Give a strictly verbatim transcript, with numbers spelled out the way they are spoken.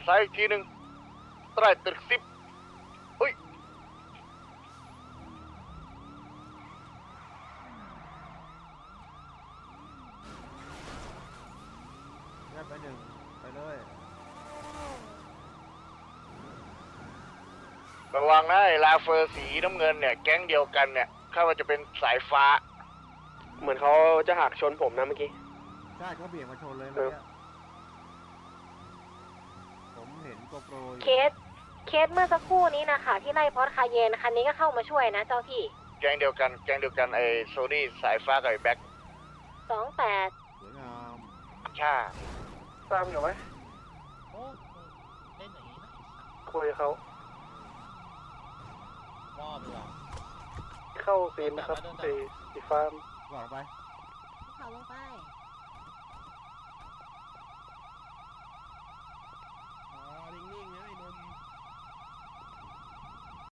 ซ้ายอีกทีหนึ่งใต้ตึกสิบเฮ้ยแยกไปหนึ่งไปเลยระวังนะไอ้ลาเฟอร์สีน้ำเงินเนี่ยแก๊งเดียวกันเนี่ยข้าว่าจะเป็นสายฟ้าเหมือนเขาจะหักชนผมนะเมื่อกี้ใช่เขาเบี่ยงมาชนเลยเมื่อกี้ผมเห็นโกโปรเคสเคสเมื่อสักครู่นี้นะคะที่ไล่พอดคาเยนคันนี้ก็เข้ามาช่วยนะเจ้าที่แก๊งเดียวกันแก๊งเดียวกันไอ้โซนี่สายฟ้ากับไอ้แบ็คสองแปดสวยงามช่าตามอยู่ไหมโอ้เล่นอย่างนี้นะคุยเขารอบดีกว่าเข้าซีนนะครับไอ้สีฟ้าบอกไปเขาลงไป